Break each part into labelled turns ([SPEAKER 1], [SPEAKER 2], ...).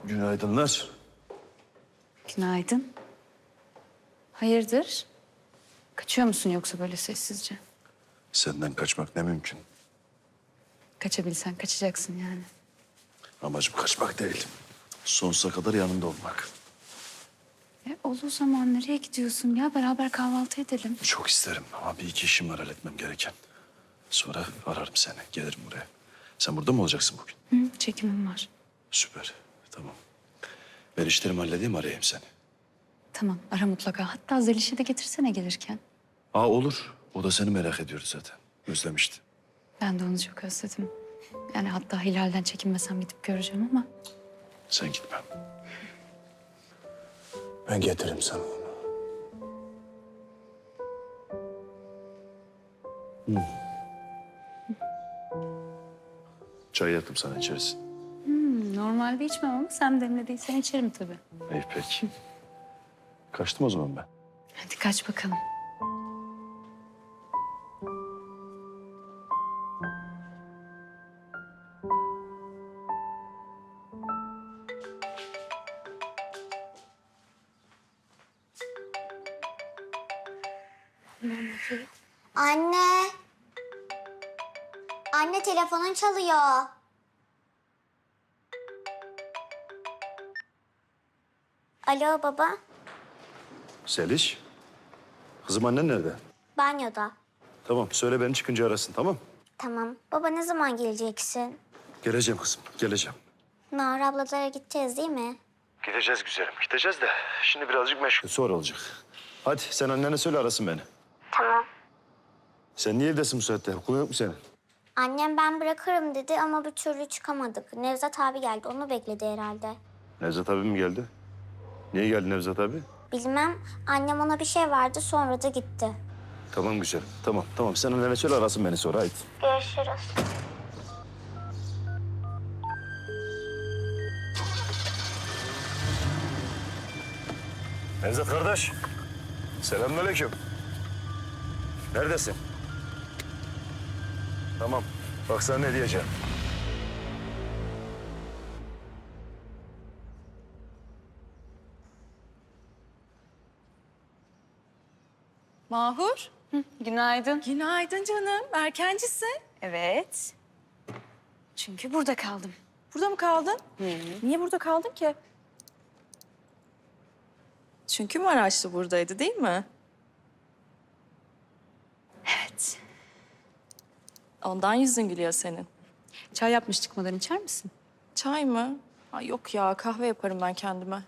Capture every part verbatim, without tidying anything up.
[SPEAKER 1] Günaydınlar.
[SPEAKER 2] Günaydın. Hayırdır? Kaçıyor musun yoksa böyle sessizce?
[SPEAKER 1] Senden kaçmak ne mümkün.
[SPEAKER 2] Kaçabilsen kaçacaksın yani.
[SPEAKER 1] Amacım kaçmak değil. Sonsuza kadar yanında olmak.
[SPEAKER 2] E, olduğu zaman nereye gidiyorsun ya? Beraber kahvaltı edelim.
[SPEAKER 1] Çok isterim ama bir iki işim var halletmem gereken. Sonra ararım seni. Gelirim buraya. Sen burada mı olacaksın bugün?
[SPEAKER 2] Hı, çekimim var.
[SPEAKER 1] Süper. Tamam. Ben işlerimi halledeyim, arayayım seni.
[SPEAKER 2] Tamam, ara mutlaka. Hatta Zeliş'i de getirsene gelirken.
[SPEAKER 1] Aa olur. O da seni merak ediyordu zaten. Özlemişti.
[SPEAKER 2] Ben de onu çok özledim. Yani hatta Hilal'den çekinmesem gidip göreceğim ama...
[SPEAKER 1] Sen gitme. Ben getiririm sana onu. Hmm. Çay yaptım sana, içersin.
[SPEAKER 2] Hmm, normalde içmem ama sen demlediysen içerim tabii.
[SPEAKER 1] İyi peki. Kaçtım o zaman ben.
[SPEAKER 2] Hadi kaç bakalım.
[SPEAKER 3] Anne. Anne telefonun çalıyor. Alo baba.
[SPEAKER 1] Seliş. Kızım, annen nerede?
[SPEAKER 3] Banyoda.
[SPEAKER 1] Tamam, söyle beni çıkınca arasın, tamam?
[SPEAKER 3] Tamam. Baba ne zaman geleceksin?
[SPEAKER 1] Geleceğim kızım, geleceğim.
[SPEAKER 3] Nahar ablalara gideceğiz değil mi?
[SPEAKER 1] Gideceğiz güzelim, gideceğiz de şimdi birazcık meşgul. Sonra olacak. Hadi sen annene söyle, arasın beni.
[SPEAKER 3] Tamam.
[SPEAKER 1] Sen niye evdesin bu saatte? Okulun yok mu senin?
[SPEAKER 3] Annem ben bırakırım dedi ama bir türlü çıkamadık. Nevzat abi geldi. Onu bekledi herhalde.
[SPEAKER 1] Nevzat abi mi geldi? Niye geldi Nevzat abi?
[SPEAKER 3] Bilmem. Annem ona bir şey verdi sonra da gitti.
[SPEAKER 1] Tamam güzelim, tamam tamam. Sen annene söyle, arasın beni sonra, haydi.
[SPEAKER 3] Görüşürüz.
[SPEAKER 1] Nevzat kardeş. Selamünaleyküm. Neredesin? Tamam. Bak sana ne diyeceğim.
[SPEAKER 4] Mahur.
[SPEAKER 2] Günaydın.
[SPEAKER 4] Günaydın canım. Erkencisin.
[SPEAKER 2] Evet. Çünkü burada kaldım.
[SPEAKER 4] Burada mı kaldın? Niye burada kaldın ki? Çünkü Maraşlı buradaydı değil mi?
[SPEAKER 2] Evet.
[SPEAKER 4] Ondan yüzün gülüyor senin.
[SPEAKER 2] Çay yapmış çıkmadan içer misin?
[SPEAKER 4] Çay mı? Ay yok ya, kahve yaparım ben kendime.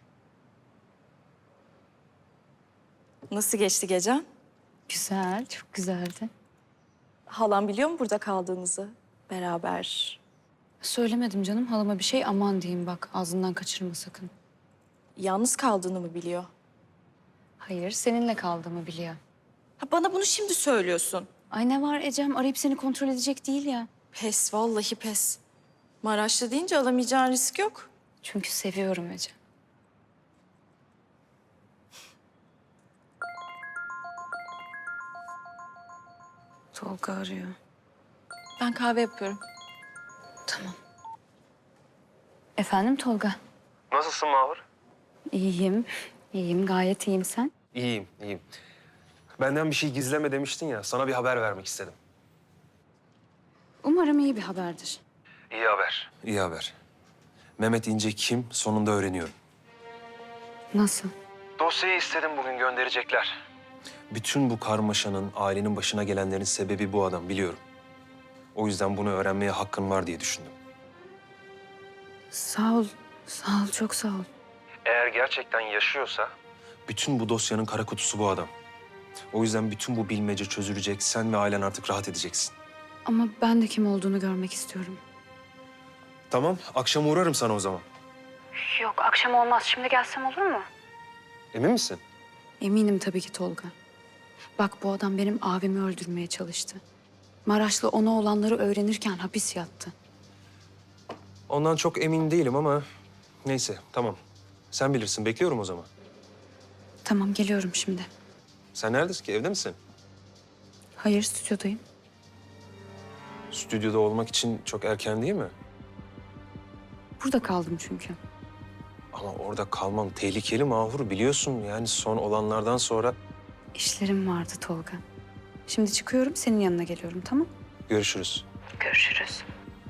[SPEAKER 4] Nasıl geçti gecen?
[SPEAKER 2] Güzel, çok güzeldi.
[SPEAKER 4] Halam biliyor mu burada kaldığınızı? Beraber.
[SPEAKER 2] Söylemedim canım halama bir şey, aman diyeyim bak ağzından kaçırma sakın.
[SPEAKER 4] Yalnız kaldığını mı biliyor?
[SPEAKER 2] Hayır, seninle kaldığımı biliyor.
[SPEAKER 4] Ha, bana bunu şimdi söylüyorsun.
[SPEAKER 2] Ay ne var Ecem, arayıp seni kontrol edecek değil ya.
[SPEAKER 4] Pes, vallahi pes. Maraşlı deyince alamayacağın risk yok.
[SPEAKER 2] Çünkü seviyorum Ecem. Tolga arıyor.
[SPEAKER 4] Ben kahve yapıyorum.
[SPEAKER 2] Tamam. Efendim Tolga?
[SPEAKER 5] Nasılsın Mahur?
[SPEAKER 2] İyiyim, iyiyim, gayet iyiyim sen.
[SPEAKER 5] İyiyim, iyiyim. Benden bir şey gizleme demiştin ya, sana bir haber vermek istedim.
[SPEAKER 2] Umarım iyi bir haberdir.
[SPEAKER 5] İyi haber. İyi haber. Mehmet İnce kim? Sonunda öğreniyorum.
[SPEAKER 2] Nasıl?
[SPEAKER 5] Dosyayı istedim, bugün gönderecekler. Bütün bu karmaşanın, ailenin başına gelenlerin sebebi bu adam, biliyorum. O yüzden bunu öğrenmeye hakkın var diye düşündüm.
[SPEAKER 2] Sağ ol, sağ ol, çok sağ ol.
[SPEAKER 5] Eğer gerçekten yaşıyorsa... Bütün bu dosyanın kara kutusu bu adam. O yüzden bütün bu bilmece çözülecek, sen ve ailen artık rahat edeceksin.
[SPEAKER 2] Ama ben de kim olduğunu görmek istiyorum.
[SPEAKER 5] Tamam, akşam uğrarım sana o zaman.
[SPEAKER 2] Yok, akşam olmaz. Şimdi gelsem olur mu?
[SPEAKER 5] Emin misin?
[SPEAKER 2] Eminim tabii ki Tolga. Bak bu adam benim abimi öldürmeye çalıştı. Maraşlı ona olanları öğrenirken hapis yattı.
[SPEAKER 5] Ondan çok emin değilim ama neyse, tamam. Sen bilirsin, bekliyorum o zaman.
[SPEAKER 2] Tamam, geliyorum şimdi.
[SPEAKER 5] Sen neredesin ki, evde misin?
[SPEAKER 2] Hayır, stüdyodayım.
[SPEAKER 5] Stüdyoda olmak için çok erken değil mi?
[SPEAKER 2] Burada kaldım çünkü.
[SPEAKER 5] Ama orada kalmam tehlikeli Mahur, biliyorsun. Yani son olanlardan sonra
[SPEAKER 2] İşlerim vardı Tolga. Şimdi çıkıyorum, senin yanına geliyorum, tamam?
[SPEAKER 5] görüşürüz.
[SPEAKER 2] Görüşürüz.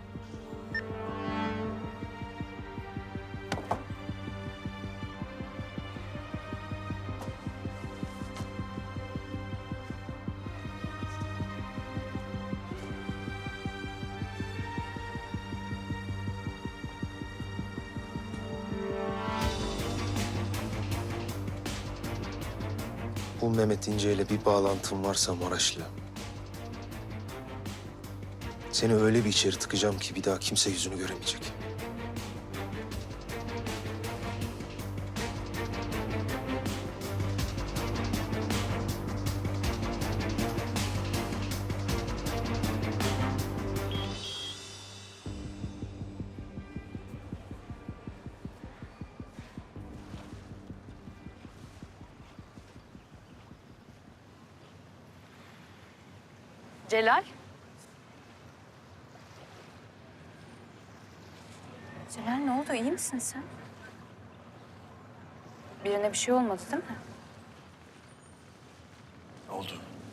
[SPEAKER 5] Bu Mehmet İnce ile bir bağlantın varsa Maraşlı. Seni öyle bir içeri tıkacağım ki bir daha kimse yüzünü göremeyecek.
[SPEAKER 2] Celal? Celal ne oldu? İyi misin sen? Birine bir şey olmadı değil mi?
[SPEAKER 1] Ne oldu?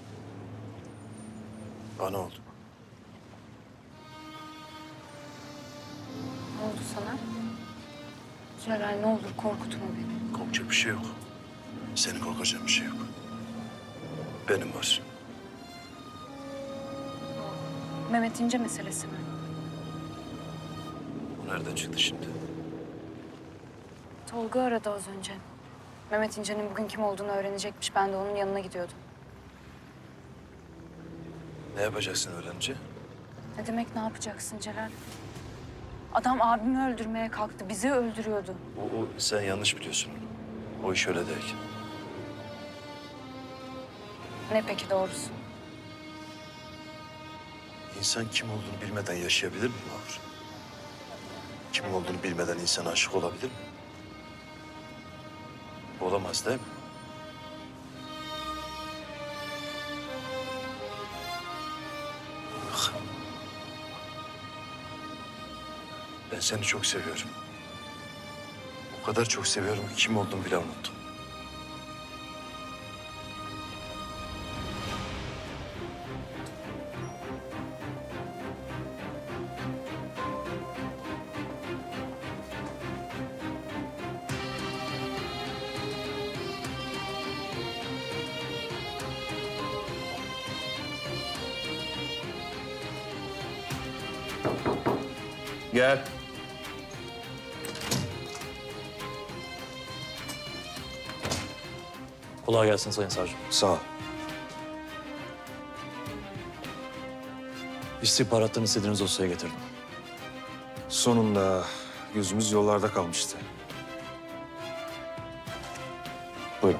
[SPEAKER 1] Bana oldu.
[SPEAKER 2] Ne oldu sana? Celal ne olur korkutma beni.
[SPEAKER 1] Korkacak bir şey yok. Senin korkacağın bir şey yok. Benim var.
[SPEAKER 2] Mehmet İnce meselesi mi?
[SPEAKER 1] Bu nereden çıktı şimdi?
[SPEAKER 2] Tolga aradı az önce. Mehmet İnce'nin bugün kim olduğunu öğrenecekmiş. Ben de onun yanına gidiyordum.
[SPEAKER 1] Ne yapacaksın öğrenince?
[SPEAKER 2] Ne demek ne yapacaksın Celal? Adam abimi öldürmeye kalktı. Bizi öldürüyordu.
[SPEAKER 1] O, o sen yanlış biliyorsun onu. O iş öyle değil.
[SPEAKER 2] Ne peki doğrusu?
[SPEAKER 1] İnsan kim olduğunu bilmeden yaşayabilir mi Mahur? Kim olduğunu bilmeden insan aşık olabilir mi? Olamaz değil mi? Bak. Ben seni çok seviyorum. O kadar çok seviyorum ki kim olduğumu bile unuttum. Gel.
[SPEAKER 6] Kolay gelsin Sayın Savcım.
[SPEAKER 5] Sağ ol.
[SPEAKER 6] İstihbarattan istediğiniz dosyayı getirdim.
[SPEAKER 5] Sonunda gözümüz yollarda kalmıştı.
[SPEAKER 6] Buyurun.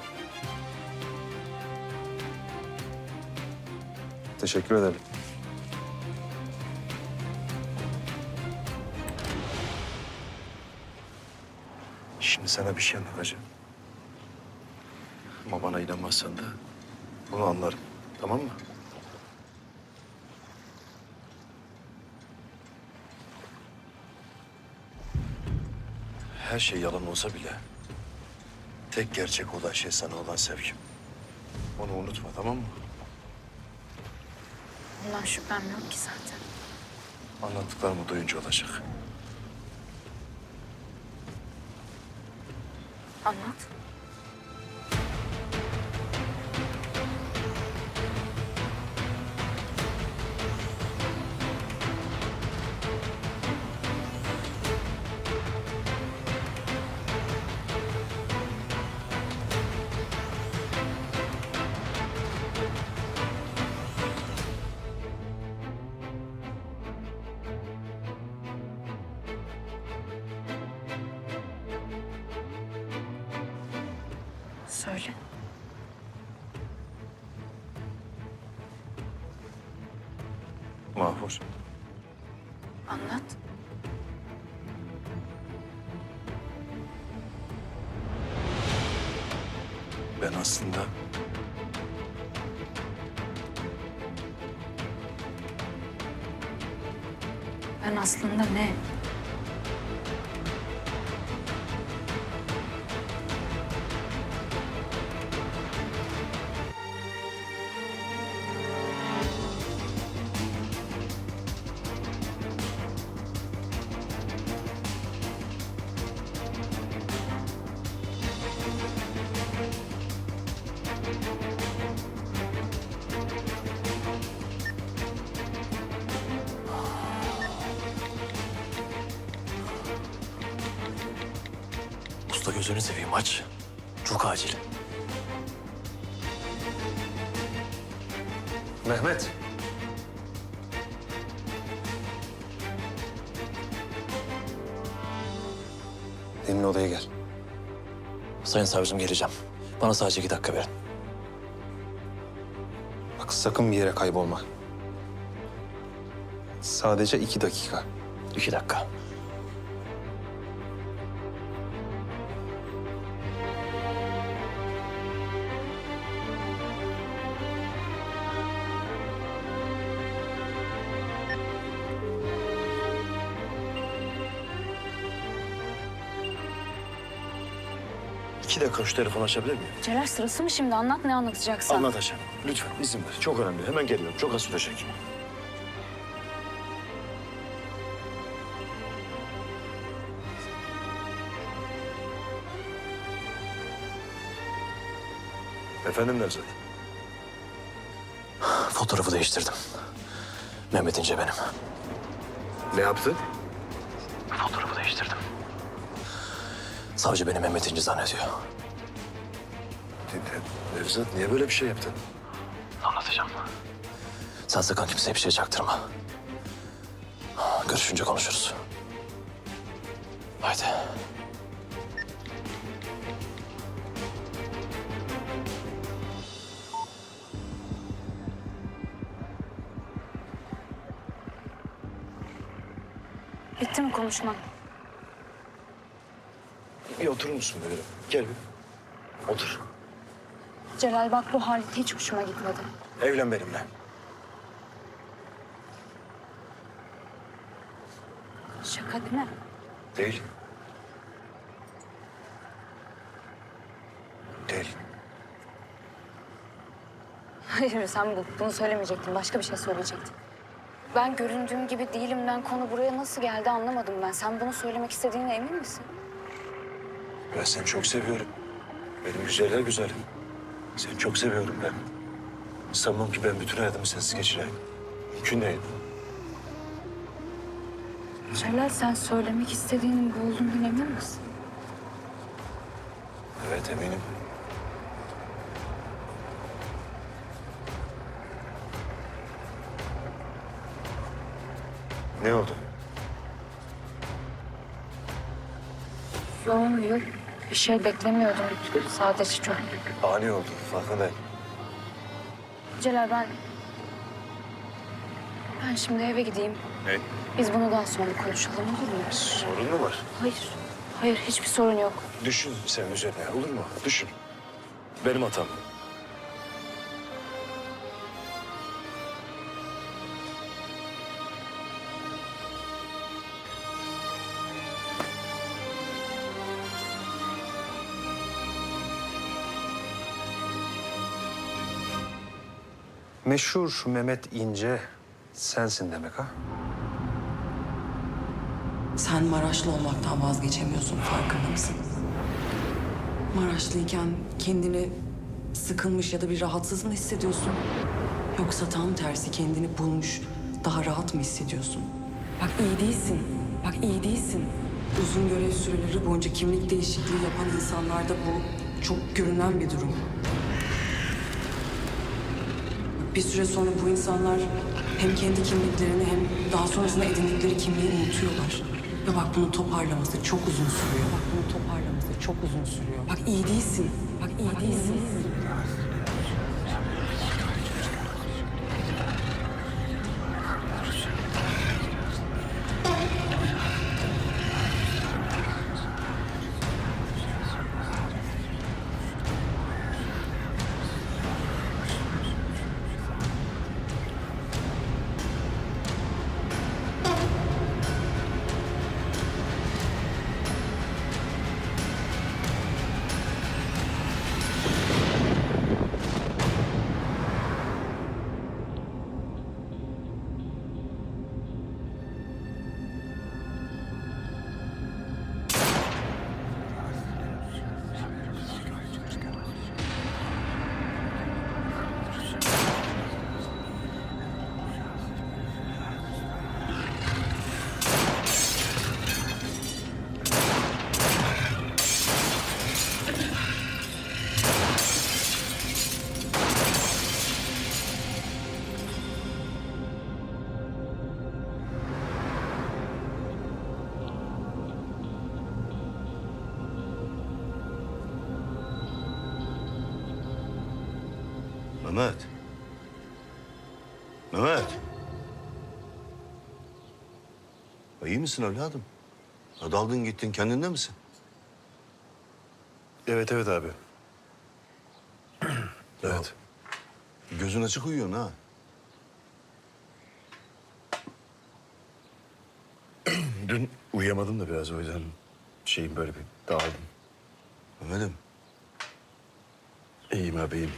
[SPEAKER 5] Teşekkür ederim.
[SPEAKER 1] Şimdi sana bir şey anlatacağım. Ama bana inanmazsan da bunu anlarım. Tamam mı? Her şey yalan olsa bile tek gerçek olan şey sana olan sevgim. Onu unutma, tamam mı?
[SPEAKER 2] Bundan şüphem yok ki zaten.
[SPEAKER 1] Anlattıklarımı duyunca olacak.
[SPEAKER 2] Anlat. Söyle.
[SPEAKER 1] Mahvur.
[SPEAKER 2] Anlat.
[SPEAKER 1] Ben aslında
[SPEAKER 2] Ben aslında ne?
[SPEAKER 6] Usta gözünü seveyim aç. Çok acil.
[SPEAKER 5] Mehmet. Benimle odaya gel.
[SPEAKER 6] Sayın savcım geleceğim. Bana sadece iki dakika verin.
[SPEAKER 5] Bak sakın bir yere kaybolma. Sadece iki dakika.
[SPEAKER 6] İki dakika.
[SPEAKER 1] İki dakika şu telefonu açabilir miyim?
[SPEAKER 2] Celal sırası mı şimdi? Anlat ne anlatacaksan.
[SPEAKER 1] Anlatacağım. Lütfen izin ver. Çok önemli. Hemen geliyorum. Çok az sürecek. Efendim Nevzat?
[SPEAKER 6] Fotoğrafı değiştirdim. Mehmet İnce benim.
[SPEAKER 1] Ne yaptın?
[SPEAKER 6] Fotoğrafı değiştirdim. Savcı beni Mehmet İnce zannediyor.
[SPEAKER 1] Nevzat niye böyle bir şey yaptın?
[SPEAKER 6] Anlatacağım. Sen sakın kimseye bir şey çaktırma. Görüşünce konuşuruz. Haydi.
[SPEAKER 2] Bitti mi konuşman?
[SPEAKER 1] Bir oturur musun böyle? Gel bir. Otur.
[SPEAKER 2] Celal bak bu halin hiç hoşuma gitmedi.
[SPEAKER 1] Evlen benimle.
[SPEAKER 2] Şaka değil mi?
[SPEAKER 1] Değil. Değil.
[SPEAKER 2] Hayır sen bu, bunu söylemeyecektin. Başka bir şey söyleyecektin. Ben göründüğüm gibi değilimden konu buraya nasıl geldi anlamadım ben. Sen bunu söylemek istediğine emin misin?
[SPEAKER 1] Ben seni çok seviyorum. Benim güzeller güzelim. Seni çok seviyorum ben. Sanmam ki ben bütün hayatımı sensiz geçireyim. Mümkün değil.
[SPEAKER 2] Celal sen söylemek istediğinin bu olduğundan emin misin?
[SPEAKER 1] Evet eminim. Ne oldu?
[SPEAKER 2] Yok yok. Bir şey beklemiyordum. Sadece çok.
[SPEAKER 1] Ani oldu farkındayım.
[SPEAKER 2] Celal ben... Ben şimdi eve gideyim.
[SPEAKER 1] Ne?
[SPEAKER 2] Biz bunu daha sonra konuşalım olur mu?
[SPEAKER 1] Sorun mu var?
[SPEAKER 2] Hayır. Hayır hiçbir sorun yok.
[SPEAKER 1] Düşün sen üzerine olur mu? Düşün. Benim hatam.
[SPEAKER 5] Meşhur Mehmet İnce sensin demek ha?
[SPEAKER 7] Sen Maraşlı olmaktan vazgeçemiyorsun, farkında mısın? Maraşlıyken kendini sıkılmış ya da bir rahatsız mı hissediyorsun? Yoksa tam tersi kendini bulmuş, daha rahat mı hissediyorsun? Bak iyi değilsin, bak iyi değilsin. Uzun görev süreleri boyunca kimlik değişikliği yapan insanlarda bu çok görünen bir durum. Bir süre sonra bu insanlar hem kendi kimliklerini hem daha sonrasında edindikleri kimliği unutuyorlar. Ve bak bunu toparlaması çok uzun sürüyor. Bak bunu toparlaması çok uzun sürüyor. Bak iyi değilsin. Bak iyi değilsin.
[SPEAKER 8] Mehmet. Mehmet. İyi misin evladım? Ya daldın gittin, kendinde misin?
[SPEAKER 1] Evet evet abi. Evet.
[SPEAKER 8] Gözün açık uyuyorsun ha.
[SPEAKER 1] Dün uyuyamadım da biraz o yüzden şeyim böyle bir dağıldım.
[SPEAKER 8] Mehmet'im.
[SPEAKER 1] İyiyim abi iyiyim.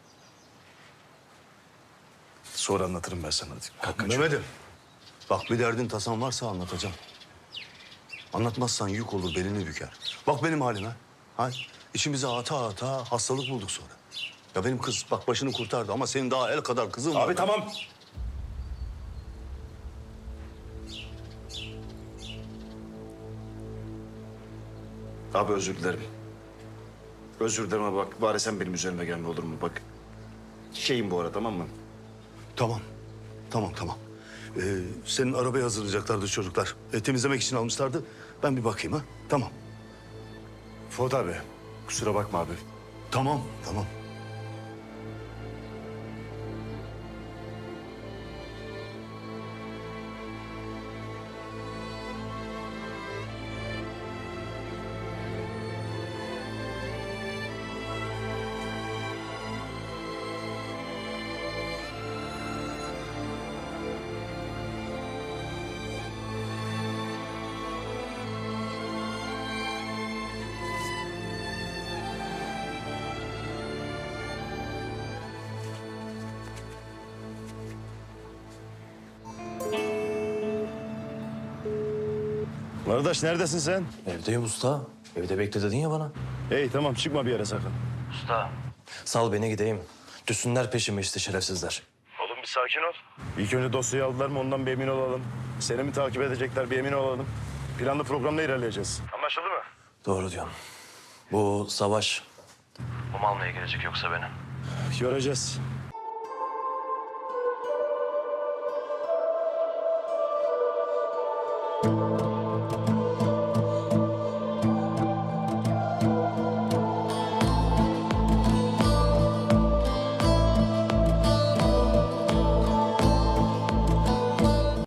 [SPEAKER 1] Sonra anlatırım ben sana. Hadi kalk kaç.
[SPEAKER 8] Mehmet'im. Bak bir derdin tasan varsa anlatacağım. Anlatmazsan yük olur, belini büker. Bak benim halime. Ha? İçimize ata ata hastalık bulduk sonra. Ya benim kız bak başını kurtardı ama senin daha el kadar kızın var.
[SPEAKER 1] Abi tamam. Abi özür dilerim. Özür dilerim ama bak bari sen benim üzerime gelme olur mu? Bak şeyim bu ara tamam mı?
[SPEAKER 8] Tamam. Tamam tamam. Ee, senin arabayı hazırlayacaklardı çocuklar. E, temizlemek için almışlardı. Ben bir bakayım ha. Tamam.
[SPEAKER 1] Fuat abi kusura bakma abi.
[SPEAKER 8] Tamam tamam.
[SPEAKER 1] Kardeş neredesin sen?
[SPEAKER 6] Evdeyim usta. Evde bekle dedin ya bana.
[SPEAKER 1] Hey tamam çıkma bir yere sakın.
[SPEAKER 6] Sal beni gideyim. Düşsünler peşime işte şerefsizler.
[SPEAKER 1] Oğlum bir sakin ol. İlk önce dosyayı aldılar mı ondan bir emin olalım. Seni mi takip edecekler bir emin olalım. Planlı programla ilerleyeceğiz. Anlaşıldı mı?
[SPEAKER 6] Doğru diyorsun. Bu savaş... Bu almaya gelecek yoksa beni.
[SPEAKER 1] Göreceğiz.